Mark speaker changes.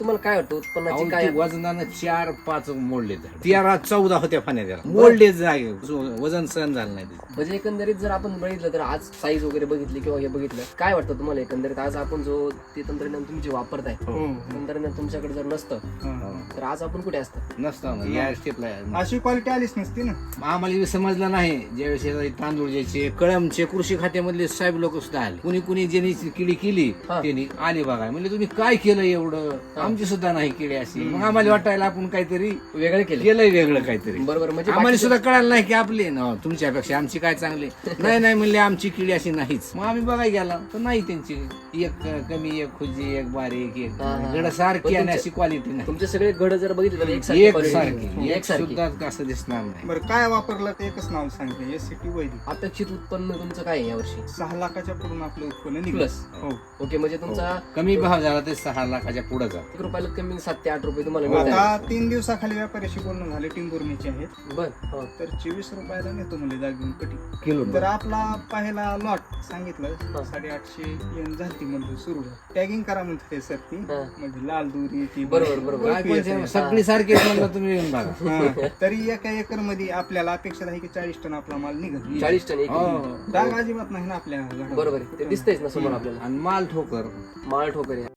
Speaker 1: तुम्हाला काय वाटतं उत्पन्नाची काय
Speaker 2: वजनानं 4-5 मोडले 13-14 होत्या फाण्या त्याला मोडले जागे वजन सहन झालं नाही त्याचं.
Speaker 1: म्हणजे एकंदरीत जर आपण बघितलं तर आज साईज वगैरे बघितली किंवा हे बघितलं काय वाटतं तुम्हाला एकंदरीत आज आपण जो ते तंत्रज्ञान तुम्ही जे वापरताय तंत्रज्ञान तुमच्याकडे जर नसतं तर आज आपण कुठे असतं
Speaker 2: नसतं या स्टेपला
Speaker 3: अशी क्वालिटी आलीच नसती ना.
Speaker 2: आम्हाला समजलं नाही ज्यावेळेस हे तांदूळ ज्याचे कळमचे कृषी खात्यामधले साहेब लोक सुद्धा आले कुणी कुणी ज्यांनी किडी केली त्यांनी आले बघा म्हणजे तुम्ही काय केलं एवढं आमची सुद्धा नाही केली अशी मग आम्हाला वाटायला आपण काहीतरी
Speaker 1: वेगळं केलं
Speaker 2: केलंय वेगळं काहीतरी
Speaker 1: बरोबर म्हणजे
Speaker 2: आम्हाला सुद्धा कळालं नाही की आपले ना तुमच्यापेक्षा आमची काय चांगले नाही म्हणले आमची किडी अशी नाहीच मग आम्ही बघायला गेला तर नाही त्यांची एक कमी एक खुजी एक बारीक एक गड सारखी आणि अशी क्वालिटी नाही
Speaker 1: तुमचे सगळे घड जर बघितले तर
Speaker 2: एक सुद्धा असं दिसणार नाही.
Speaker 3: बरं काय वापरलं ते एकच नाव सांगितलं SCT वैदिक.
Speaker 1: अपेक्षित उत्पन्न तुमचं काय आहे यावर्षी
Speaker 3: 6 लाखाच्या पुढून आपलं उत्पन्न निघलं.
Speaker 1: प्लस
Speaker 3: हो.
Speaker 1: ओके म्हणजे तुमचा
Speaker 2: कमी भाव झाला ते 6 लाखाच्या पुढे जा
Speaker 1: 1 रुपयाला कमी 7 ते 8 रुपये तुम्हाला मिळतात.
Speaker 3: आता 3 दिवसाखाली व्यापाऱ्याशी बोलणं झाले टिंबुर्णीचे आहेत
Speaker 1: बर हो.
Speaker 3: तर 24 रुपयाला नेतो म्हणजे जागेऊन कटी.
Speaker 2: किलो
Speaker 3: तर आपला पहिला लॉट सांगितलं 850 येऊन झाली म्हणतो सुरू टॅगिंग करा म्हणते सर ती म्हणजे लाल दोरी ती
Speaker 1: बरोबर
Speaker 2: सगळी सारखी म्हणलं तुम्ही येऊन बघा.
Speaker 3: तरी एका एकर मध्ये आपल्याला अपेक्षा आहे की 40 टन आपला माल निघत
Speaker 1: 40 टन एक
Speaker 2: हो.
Speaker 3: डाग अजिबात नाही ना आपल्या झाडावर.
Speaker 1: बरोबर आहे. ते दिसतंयच ना समोर आपल्याला
Speaker 2: आणि माल ठोकर
Speaker 1: माळ ठोकर आहे.